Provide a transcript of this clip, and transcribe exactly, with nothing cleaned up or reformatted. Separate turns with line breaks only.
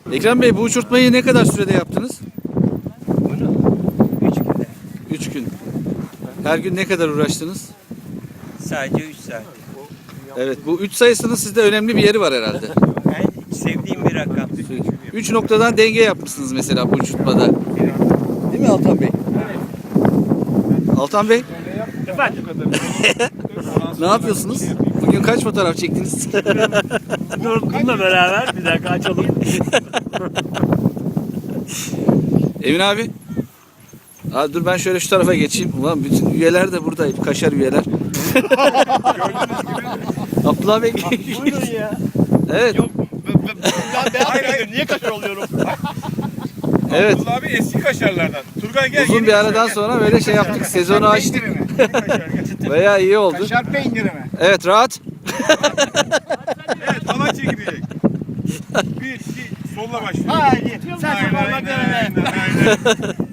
Ekrem Bey, bu uçurtmayı ne kadar sürede yaptınız?
Bunu üç günde.
Üç gün. Her gün ne kadar uğraştınız?
Sadece üç saat.
Evet, bu üç sayısının sizde önemli bir yeri var herhalde.
Ben sevdiğim bir rakam.
Üç noktadan denge yapmışsınız mesela bu uçurtmada. Değil mi Altan Bey? Altan Bey,
Efendim?
ne yapıyorsunuz? Bugün kaç fotoğraf çektiniz?
Dur, bununla beraber bir dakika açalım.
Emin abi. Aa, dur ben şöyle şu tarafa geçeyim. Ulan bütün üyeler de burada. Kaşar üyeler. Abdullah Bey.
Buyurun ya.
Evet.
Yok, ben beyaz kaşar, niye kaşar oluyorum?
Evet.
Abdullah abi eski kaşarlardan. Turgay gel.
Uzun
yeni
bir
kaşar
aradan
gel.
sonra böyle şey yaptık. Sezonu açtık.
Yeni kaşar gel.
Bayağı iyi oldu.
Kaşar peyniri mi?
Evet, rahat.
Evet, hava çekilecek. Bir, iki, solla başlıyor.
Haydi. Sen
Aynen,
parmak
aynen,
deneme.
aynen, aynen.